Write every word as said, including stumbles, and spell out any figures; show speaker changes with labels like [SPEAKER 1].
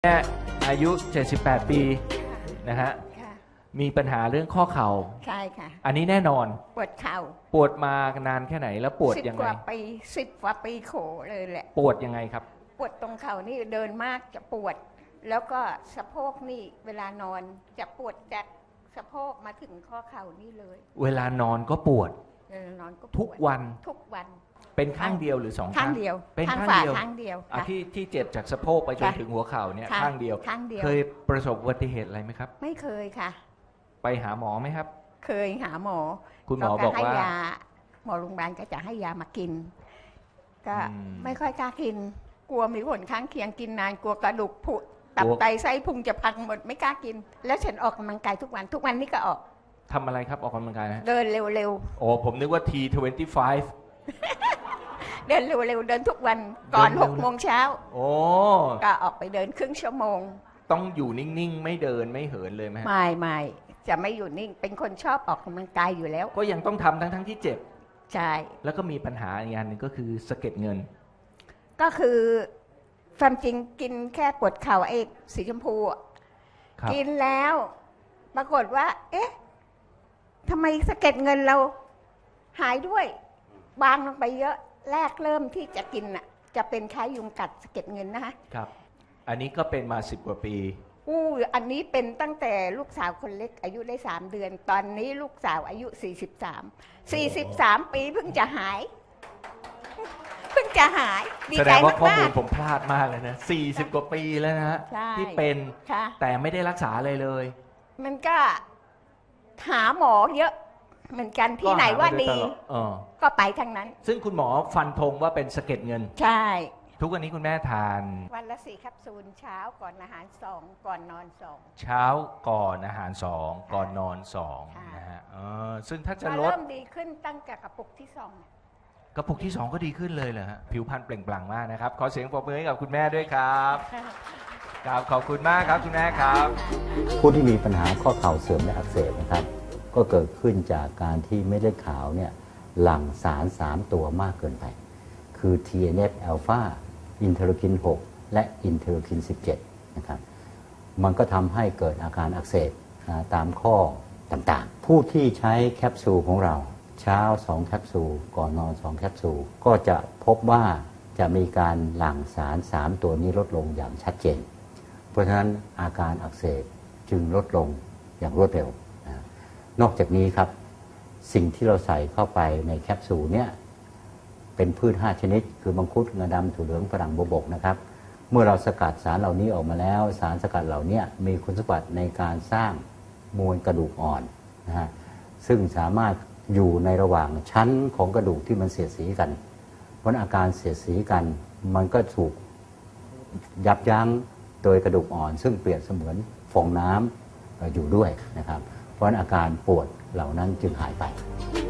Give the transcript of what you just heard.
[SPEAKER 1] แม่อายุเจ็ดสิบแปดปีนะฮะมีปัญหาเรื่องข้อเข่า
[SPEAKER 2] ใช่ค่ะ
[SPEAKER 1] อันนี้แน่นอน
[SPEAKER 2] ปวดเข่า
[SPEAKER 1] ปวดมานานแค่ไหนแล้วปวดยังไงสิบ
[SPEAKER 2] กว่าปีสิบกว่าปีโขเลยแหละ
[SPEAKER 1] ปวดยังไงครับ
[SPEAKER 2] ปวดตรงเข่านี่เดินมากจะปวดแล้วก็สะโพกนี่เวลานอนจะปวดจากสะโพกมาถึงข้อเข่านี่เลย
[SPEAKER 1] เวลานอนก็ปวด
[SPEAKER 2] เวลานอนก็
[SPEAKER 1] ทุกวัน
[SPEAKER 2] ทุกวัน
[SPEAKER 1] เป็นข้างเดียวหรือสองข้าง
[SPEAKER 2] ข้างเดียว
[SPEAKER 1] เป็น
[SPEAKER 2] ข้างเดียวข้างเดียว
[SPEAKER 1] ที่ที่เจ็บจากสะโพกไปจนถึงหัวเข่าเนี่ยข้างเดียวเคยประสบอุบัติเหตุอะไรไหมครับ
[SPEAKER 2] ไม่เคยค่ะ
[SPEAKER 1] ไปหาหมอไหมครับ
[SPEAKER 2] เคยหาหมอ
[SPEAKER 1] คุณหมอบอกว่า
[SPEAKER 2] หมอโรงพยาบาลก็จะให้ยามากินก็ไม่ค่อยกล้ากินกลัวมีผลข้างเคียงกินนานกลัวกระดูกผุตับไตไส้พุงจะพังหมดไม่กล้ากินแล้วฉันออกกำลังกายทุกวันทุกวันนี้ก็ออก
[SPEAKER 1] ทำอะไรครับออกกำลังกายนะ
[SPEAKER 2] เดินเร็ว
[SPEAKER 1] ๆโอ้ผมนึกว่า ที ยี่สิบห้า
[SPEAKER 2] เดินเร็วๆเดินทุกวันก่อนหกโมงเช้า
[SPEAKER 1] โอ้
[SPEAKER 2] ก็ออกไปเดินครึ่งชั่วโมง
[SPEAKER 1] ต้องอยู่นิ่งๆไม่เดินไม่เหินเลยไหม
[SPEAKER 2] ไม่ไม่จะไม่อยู่นิ่งเป็นคนชอบออกกำลังกายอยู่แล้ว
[SPEAKER 1] ก็ยังต้องทำทั้งๆที่เจ็บ
[SPEAKER 2] ใช่
[SPEAKER 1] แล้วก็มีปัญหาอีกอย่างหนึ่งก็คือสะเก็ดเงิน
[SPEAKER 2] ก็คือความจริงกินแค่ปวดเข่าไอ้สีชมพูกินแล้วปรากฏว่าเอ๊ะทำไมสะเก็ดเงินเราหายด้วยบางลงไปเยอะแรกเริ่มที่จะกินน่ะจะเป็นคล้ายยุงกัดสะเก็ดเงินนะคะ
[SPEAKER 1] ครับอันนี้ก็เป็นมาสิบกว่าปี
[SPEAKER 2] อู้อันนี้เป็นตั้งแต่ลูกสาวคนเล็กอายุได้สามเดือนตอนนี้ลูกสาวอายุสี่สิบสาม สี่สิบสามปีเพิ่งจะหายเพิ่งจะหาย
[SPEAKER 1] ดีใจมากแสดงว่าข้อมูลผมพลาดมากเลยนะสี่สิบกว่าปีแล้วนะฮะที่เป็นแต่ไม่ได้รักษาเลยเลย
[SPEAKER 2] มันก็หาหมอเยอะเหมือนกันที่ไหนว่าดีก็ไปทั้งนั้น
[SPEAKER 1] ซึ่งคุณหมอฟันธงว่าเป็นสะเก็ดเงิน
[SPEAKER 2] ใช่
[SPEAKER 1] ทุกวันนี้คุณแม่ทาน
[SPEAKER 2] วันละสี่แคปซูลเช้าก่อนอาหารสองก่อนนอนสอง
[SPEAKER 1] เช้าก่อนอาหารสองก่อนนอนสองนะฮะซึ่งถ้าจะลด
[SPEAKER 2] เริ่มดีขึ้นตั้งแต่กระปุกที่สอง
[SPEAKER 1] กระปุกที่สองก็ดีขึ้นเลยเหรอฮะผิวพรรณเปล่งปลั่งมากนะครับขอเสียงปรบมือให้กับคุณแม่ด้วยครับครับขอบคุณมากครับคุณแม่ครับ
[SPEAKER 3] ผู้ที่มีปัญหาข้อเข่าเสื่อมและอักเสบนะครับก็เกิดขึ้นจากการที่เม็ดเลือดขาวเนี่ยหลั่งสารสามตัวมากเกินไปคือ ที เอ็น เอฟ อลฟา อินเทอร์คิน หก และอินเทอร์คิน สิบเจ็ด นะครับมันก็ทำให้เกิดอาการอักเสบตามข้อต่างๆผู้ที่ใช้แคปซูลของเราเช้าสองแคปซูลก่อนนอนสองแคปซูลก็จะพบว่าจะมีการหลั่งสารสามตัวนี้ลดลงอย่างชัดเจนเพราะฉะนั้นอาการอักเสบจึงลดลงอย่างรวดเร็วนอกจากนี้ครับสิ่งที่เราใส่เข้าไปในแคปซูลเนี่ยเป็นพืชห้าชนิดคือมังคุดงาดำถั่วเหลืองฝรั่งบวบกนะครับเมื่อเราสกัดสารเหล่านี้ออกมาแล้วสารสกัดเหล่านี้มีคุณสมบัติในการสร้างมวลกระดูกอ่อนนะฮะซึ่งสามารถอยู่ในระหว่างชั้นของกระดูกที่มันเสียดสีกันเพราะอาการเสียดสีกันมันก็ถูกยับยั้งโดยกระดูกอ่อนซึ่งเปรียบเสมือนฟองน้ำอยู่ด้วยนะครับเพราะอาการปวดเหล่านั้นจึงหายไป